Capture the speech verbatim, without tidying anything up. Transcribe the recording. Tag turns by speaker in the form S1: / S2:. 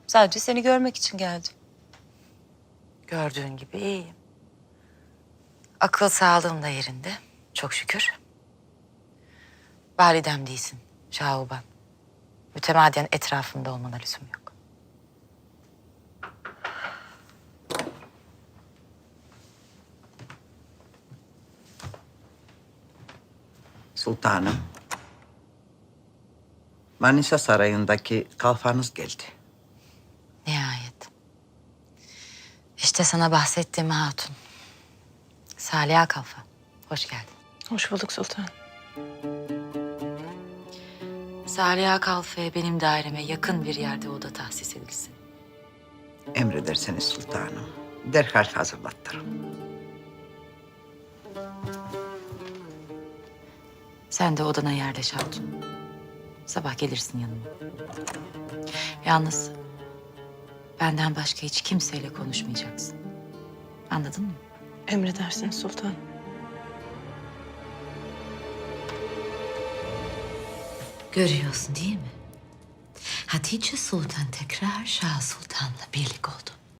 S1: Sadece seni görmek için geldim.
S2: Gördüğün gibi iyiyim. Akıl sağlığım da yerinde. Çok şükür. Validem değilsin Şahuban. Mütemadiyen etrafımda olmana lüzum yok.
S3: Sultanım. Manisa Sarayı'ndaki kalfanız geldi.
S2: Nihayet. İşte sana bahsettiğim hatun. Saliha Kalfa. Hoş geldin.
S1: Hoş bulduk sultan.
S2: Saliha Kalfa'ya benim daireme yakın bir yerde oda tahsis edilsin.
S3: Emrederseniz sultanım. Derhal hazırlattırım.
S2: Sen de odana yerleş hatun. Sabah gelirsin yanıma. Yalnız benden başka hiç kimseyle konuşmayacaksın. Anladın mı?
S1: Emredersiniz sultan.
S2: Görüyorsun değil mi? Hatice Sultan tekrar Şah Sultan'la birlik oldu.